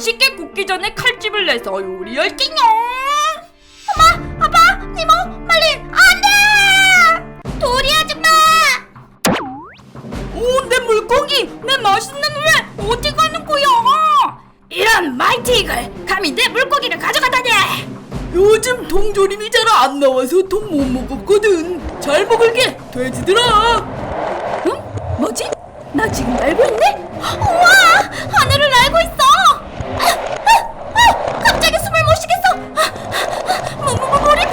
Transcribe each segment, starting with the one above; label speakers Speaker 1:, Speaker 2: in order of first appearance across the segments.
Speaker 1: 맛있게 굽기 전에 칼집을 내서 요리할게요.
Speaker 2: 엄마, 아빠, 니모, 빨리 안돼! 도리 아줌마!
Speaker 1: 오, 내 물고기, 내 맛있는 회 어디 가는 거야? 이런 마이티 이글, 감히 내 물고기를 가져가다니! 요즘 통조림이 잘 안 나와서 통 못 먹었거든. 잘 먹을게, 돼지들아. 응? 뭐지? 나 지금 날고 있네?
Speaker 2: 우와! 하늘을 날고 있어! 갑자기 숨을 못 쉬겠어! 물이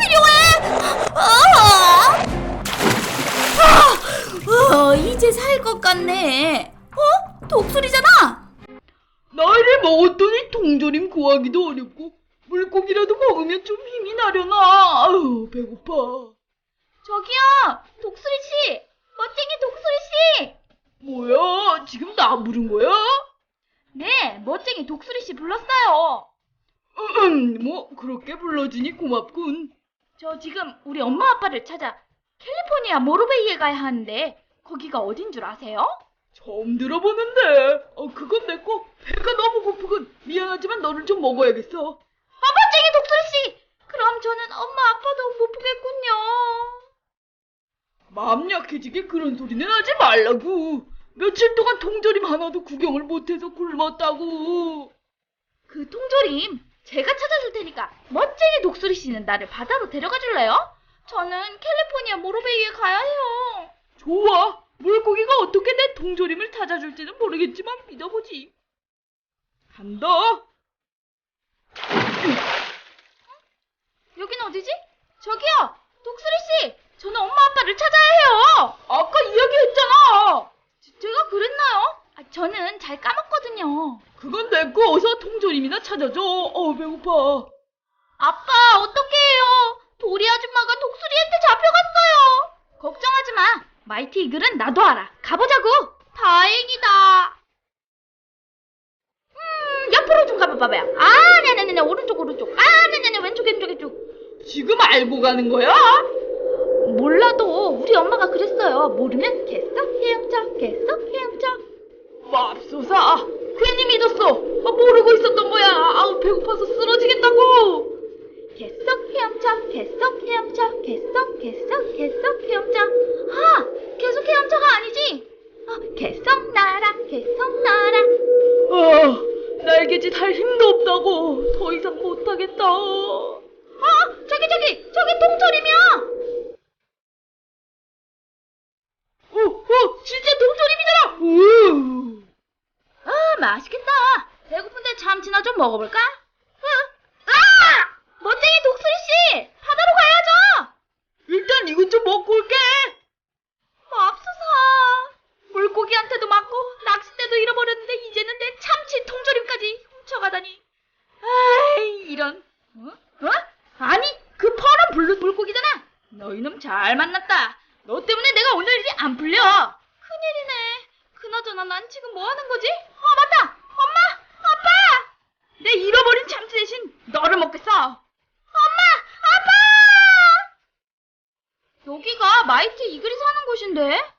Speaker 2: 필요해! 이제 살 것 같네. 독수리잖아?
Speaker 1: 나이를 먹었더니 통조림 구하기도 어렵고 물고기라도 먹으면 좀 힘이 나려나. 아유, 배고파.
Speaker 2: 저기요! 독수리씨! 멋쟁이 독수리씨!
Speaker 1: 뭐야, 지금 나 부른 거야?
Speaker 2: 네, 멋쟁이 독수리씨 불렀어요.
Speaker 1: 뭐 그렇게 불러주니 고맙군.
Speaker 2: 저 지금 우리 엄마 아빠를 찾아 캘리포니아 모로베이에 가야 하는데 거기가 어딘 줄 아세요?
Speaker 1: 처음 들어보는데. 그건 됐고 배가 너무 고프군. 미안하지만 너를 좀 먹어야겠어.
Speaker 2: 멋쟁이 독수리씨! 그럼 저는 엄마 아빠도 못 보겠군요.
Speaker 1: 마음 약해지게 그런 소리는 하지 말라고. 며칠 동안 통조림 하나도 구경을 못해서 굶었다고.
Speaker 2: 그 통조림 제가 찾아줄 테니까 멋쟁이 독수리씨는 나를 바다로 데려가 줄래요? 저는 캘리포니아 모로베이에 가야 해요.
Speaker 1: 좋아. 물고기가 어떻게 내 통조림을 찾아줄지는 모르겠지만 믿어보지. 간다.
Speaker 2: 여긴 어디지? 저기요! 독수리씨! 저는 엄마 아빠를 찾아야 해요!
Speaker 1: 아까 이야기했잖아.
Speaker 2: 제가 그랬나요? 저는 잘 까먹거든요.
Speaker 1: 그건 됐고 어서 통조림이나 찾아줘. 배고파.
Speaker 2: 아빠, 어떡해요? 도리 아줌마가 독수리한테 잡혀갔어요. 걱정하지 마. 마이티 이글은 나도 알아. 가보자고. 다행이다. 옆으로 좀 가봐봐요. 네네네. 오른쪽. 네네네. 왼쪽.
Speaker 1: 지금 알고 가는 거야?
Speaker 2: 몰라도 우리 엄마가 그랬어요. 모르면 개썩 헤엄쳐.
Speaker 1: 맙소사. 괜히 믿었어. 모르고 있었던 거야. 배고파서 쓰러지겠다고.
Speaker 2: 개썩 헤엄쳐. 계속 헤엄쳐. 계속 헤엄쳐가 아니지. 계속 날아.
Speaker 1: 날개짓 할 힘도 없다고. 더 이상 못하겠다.
Speaker 2: 저기 통조림이야.
Speaker 1: 진짜 통조림이잖아.
Speaker 2: 맛있겠다. 배고픈데 참치나 좀 먹어볼까? 멋쟁이 독수리씨! 바다로 가야죠!
Speaker 1: 일단 이것 좀 먹고 올게.
Speaker 2: 맙소사. 물고기한테도 맞고 낚싯대도 잃어버렸는데 이제는 내 참치 통조림까지 훔쳐가다니. 이런. 아니, 그 파란 블루 물고기잖아. 너 이놈 잘 만났다. 너 때문에 내가 오늘 일이 안 풀려. 큰일이네. 그나저나 난 지금 뭐 하는 거지? 맞다. 엄마, 아빠. 내 잃어버린 참치 대신 너를 먹겠어. 엄마, 아빠. 여기가 마이티 이글이 사는 곳인데.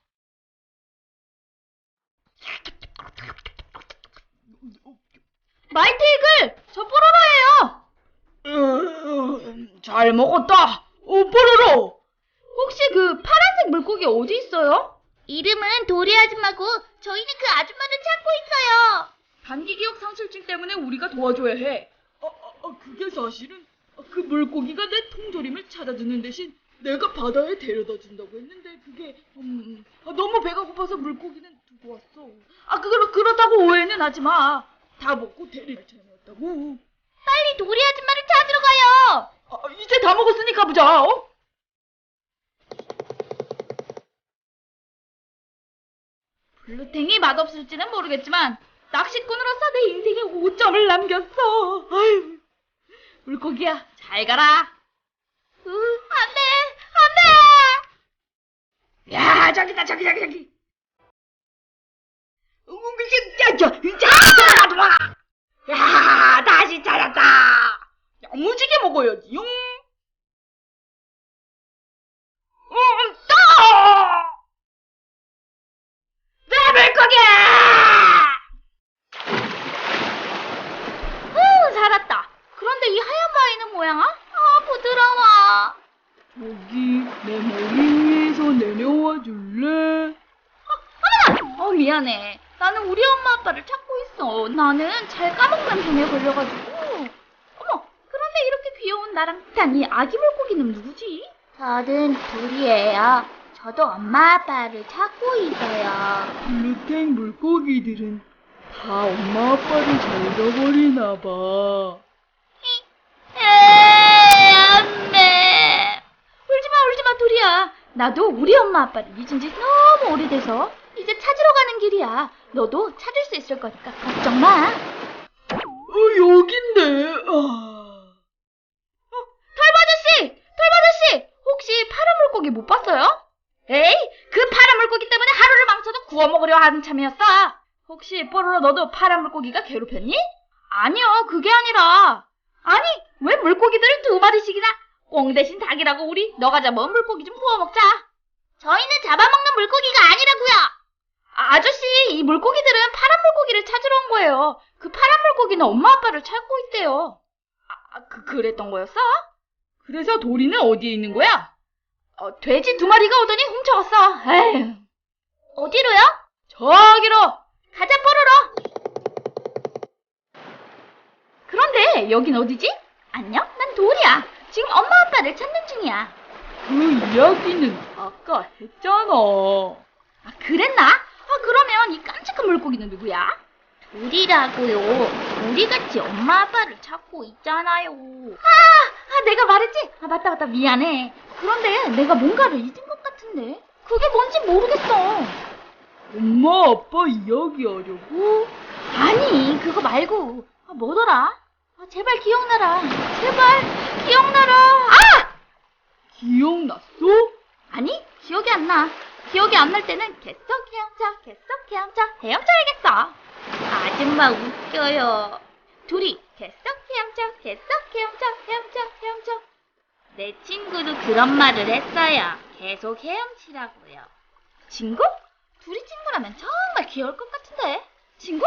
Speaker 2: 마이티 이글, 저 뽀로로예요.
Speaker 1: 잘 먹었다. 뽀로로.
Speaker 2: 혹시 그 파란색 물고기 어디 있어요? 이름은 도리 아줌마고 저희는 그 아줌마를 찾고 있어요.
Speaker 1: 단기 기억 상실증 때문에 우리가 도와줘야 해. 그게 사실은 그 물고기가 내 통조림을 찾아주는 대신 내가 바다에 데려다 준다고 했는데 그게 너무 배가 고파서 물고기는 두고 왔어. 그렇다고 오해는 하지 마. 다 먹고 데릴 차이였다고.
Speaker 2: 빨리 도리 아줌마를 찾으러 가요.
Speaker 1: 이제 다 먹었으니 가보자.
Speaker 2: 블루탱이 맛없을지는 모르겠지만 낚시꾼으로서 내 인생에 5점을 남겼어. 아유, 물고기야, 잘 가라. 안 돼.
Speaker 1: 야, 저기다. 야, 다시 찾았다. 야무지게 먹어야지. 내 물고기! 여기 내 머리 위에서 내려와 줄래?
Speaker 2: 미안해. 나는 우리 엄마 아빠를 찾고 있어. 나는 잘 까먹는 병에 걸려가지고. 어머, 그런데 이렇게 귀여운 나랑 비슷한 이 아기 물고기는 누구지? 저는 둘이에요. 저도 엄마 아빠를 찾고 있어요.
Speaker 1: 블루탱 물고기들은 다 엄마 아빠를 잘 잃어버리나 봐.
Speaker 2: 안돼. 울지마 둘이야. 나도 우리 엄마 아빠를 잊은 지 너무 오래돼서 이제 찾으러 가는 길이야. 너도 찾을 수 있을 거니까 걱정 마.
Speaker 1: 여긴데.
Speaker 2: 털바저씨 혹시 파란 물고기 못 봤어요? 에이, 그 파란 물고기 때문에 하루를 망쳐도 구워 먹으려 하는 참이었어. 혹시 뽀로로 너도 파란 물고기가 괴롭혔니? 아니요, 그게 아니라. 아니, 왜 물고기들을 2마리씩이나? 꽁 대신 닭이라고 우리 너가 잡아온 물고기 좀 구워 먹자. 저희는 잡아먹는 물고기가 아니라고요. 아저씨, 이 물고기들은 파란 물고기를 찾으러 온 거예요. 그 파란 물고기는 엄마 아빠를 찾고 있대요. 그랬던 거였어?
Speaker 1: 그래서 도리는 어디에 있는 거야?
Speaker 2: 돼지 2마리가 오더니 훔쳐갔어. 에휴. 어디로요?
Speaker 1: 저기로.
Speaker 2: 가자, 뽀로로. 그런데 여긴 어디지? 안녕, 난 도리야. 지금 엄마 아빠를 찾는 중이야.
Speaker 1: 그 이야기는 아까 했잖아.
Speaker 2: 그랬나? 그러면 이 깜찍한 물고기는 누구야? 도리라고요. 우리같이 엄마 아빠를 찾고 있잖아요. 내가 말했지? 맞다, 미안해. 그런데 내가 뭔가를 잊은 것 같은데 그게 뭔지 모르겠어.
Speaker 1: 엄마 아빠 이야기하려고?
Speaker 2: 아니, 그거 말고 뭐더라? 제발 기억나라. 제발 기억나라.
Speaker 1: 기억났어?
Speaker 2: 아니, 기억이 안 나. 기억이 안 날 때는 계속 헤엄쳐야겠어. 아줌마 웃겨요. 둘이 계속 헤엄쳐. 내 친구도 그런 말을 했어요. 계속 헤엄치라고요. 친구? 둘이 친구라면 정말 귀여울 것 같은데. 친구?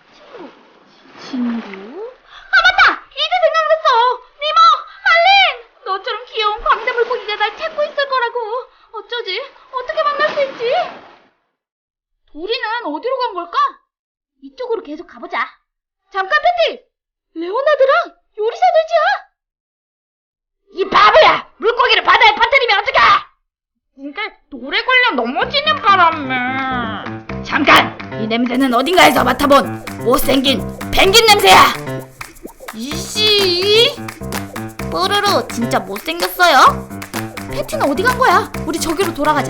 Speaker 2: 맞다! 이제 생각났어! 니모! 말린! 너처럼 귀여운 광대 물고기가 날 찾고 있을 거라고. 어쩌지? 어떻게 만날 수 있지? 도리는 어디로 간 걸까? 이쪽으로 계속 가보자. 잠깐, 패티! 레오나드랑 요리사들이야! 이 바보야! 물고기를 바다에 빠뜨리면 어떡해! 이게 돌에 걸려 넘어지는 바람에. 잠깐! 이 냄새는 어딘가에서 맡아본 못생긴 펭귄 냄새야! 이씨! 뽀로로 진짜 못생겼어요? 패티는 어디 간 거야? 우리 저기로 돌아가자.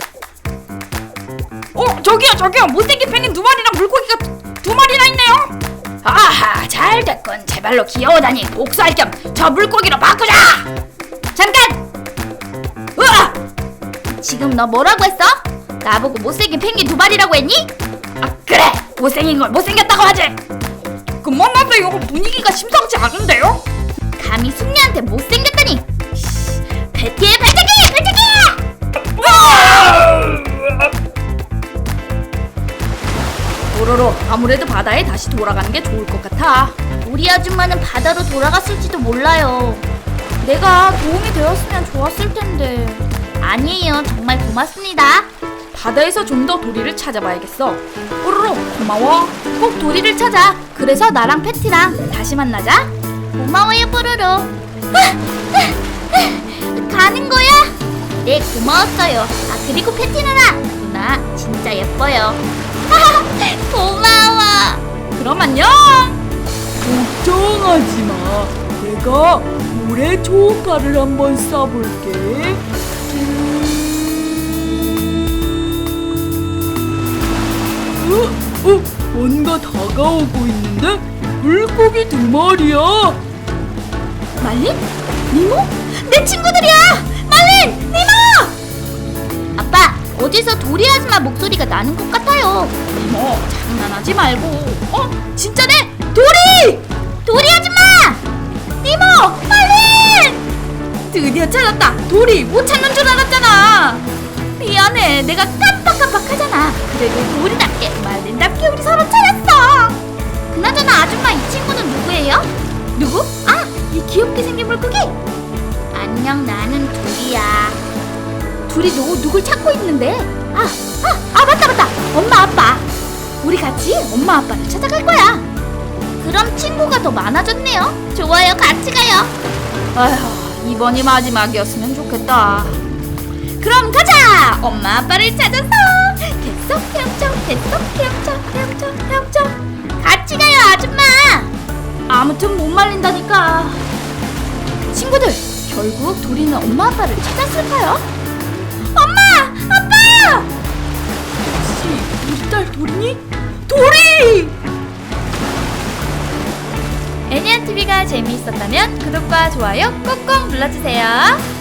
Speaker 2: 저기요! 못생긴 펭귄 2마리랑 물고기가 2마리나 있네요? 아하, 잘 됐군. 제발로 귀여워다니 복수할 겸 저 물고기로 바꾸자! 잠깐! 으아! 지금 너 뭐라고 했어? 나보고 못생긴 펭귄 2마리라고 했니? 그래! 못생긴 걸 못생겼다고 하지! 그만하세요. 분위기가 심상치 않은데요? 감히 숙녀한테 못생겼다니! 패티의 발차기! 뽀로로, 아무래도 바다에 다시 돌아가는 게 좋을 것 같아. 우리 아줌마는 바다로 돌아갔을지도 몰라요. 내가 도움이 되었으면 좋았을 텐데. 아니에요. 정말 고맙습니다. 바다에서 좀 더 도리를 찾아봐야겠어. 뽀로로, 고마워. 꼭 도리를 찾아. 그래서 나랑 패티랑 다시 만나자. 고마워요, 뽀로로. 가는 거야? 네, 고마웠어요. 그리고 패티 누나 진짜 예뻐요. 고마워. 그럼 안녕.
Speaker 1: 걱정하지 마. 내가 모래 초음파를 한번 쏴볼게. 뭔가 다가오고 있는데? 물고기 2마리야.
Speaker 2: 말린? 니모? 내 친구들이야! 말린! 니모! 아빠, 어디서 도리 아줌마 목소리가 나는 것 같아요. 니모, 장난하지 말고. 진짜네? 도리 아줌마! 니모! 말린! 드디어 찾았다. 도리, 못 찾는 줄 알았잖아. 미안해, 내가 깜빡하잖아. 그래도 도리답게 말린답게 우리 서로 찾았어. 그나저나 아줌마, 이 친구는 누구예요? 누구? 이 귀엽게 생긴 물고기? 안녕, 나는 둘이야. 둘이 누굴 찾고 있는데? 맞다. 엄마, 아빠. 우리 같이 엄마, 아빠를 찾아갈 거야. 그럼 친구가 더 많아졌네요. 좋아요, 같이 가요. 아휴, 이번이 마지막이었으면 좋겠다. 그럼 가자! 엄마, 아빠를 찾아서! 됐어, 헤엄쳐. 같이 가요, 아줌마! 아무튼 못 말린다니까. 친구들, 결국 도리는 엄마, 아빠를 찾았을까요? 엄마! 아빠!
Speaker 1: 혹시 우리 딸 도리니? 도리!
Speaker 2: 애니안TV가 재미있었다면 구독과 좋아요 꾹꾹 눌러주세요.